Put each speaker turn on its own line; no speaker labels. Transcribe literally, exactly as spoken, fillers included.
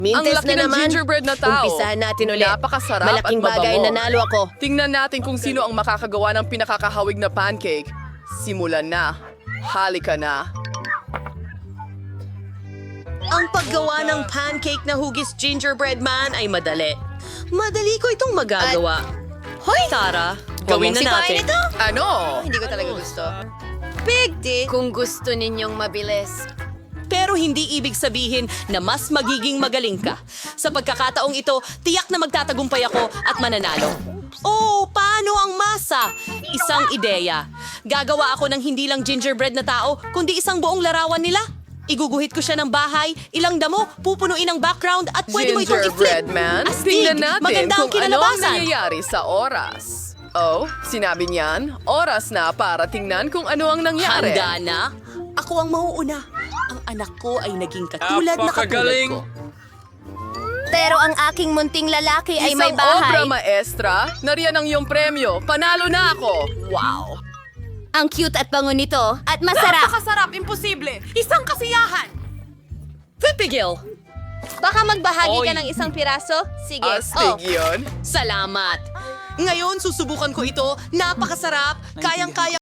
Mintes
laki
na
ng
naman.
gingerbread na tao.
Umpisahan natin ulit.
Napakasarap
Malaking
at
bagay,
mabango.
nanalo ako.
Tingnan natin kung sino ang makakagawa ng pinakakahawig na pancake. Simulan na. Halika na.
Ang paggawa ng pancake na hugis gingerbread man ay madali. Madali ko itong magagawa. Hoy! Tara, gawin na natin.
Ito?
Ano?
Hindi ko talaga gusto.
Big deal.
Kung gusto ninyong mabilis.
Pero hindi ibig sabihin na mas magiging magaling ka. Sa pagkakataong ito, tiyak na magtatagumpay ako at mananalo. Oh, paano ang masa? Isang ideya. Gagawa ako ng hindi lang gingerbread na tao, kundi isang buong larawan nila. Iguguhit ko siya ng bahay, ilang damo, pupunuin ang background at pwede mo itong i-flip.
Gingerbread man,
Astig,
tingnan natin
maganda ang
kung ano ang
kinalabasan.
nangyayari sa oras. Oh, sinabi niyan, oras na para tingnan kung ano ang nangyari.
Handa na? Ako ang mauuna. Ang anak ko ay naging katulad na katulad ko.
Pero ang aking munting lalaki ay may
Isang
bahay.
obra maestra, nariyan ang iyong premyo. Panalo na ako. Wow.
Ang cute at bango nito. At masarap.
Napakasarap, imposible. Isang kasiyahan.
Pipigil.
Baka magbahagi ka
Oy.
ng isang piraso? Sige.
Astig
Oh.
yun.
Salamat. Ngayon, susubukan ko ito. Napakasarap. Kayang-kaya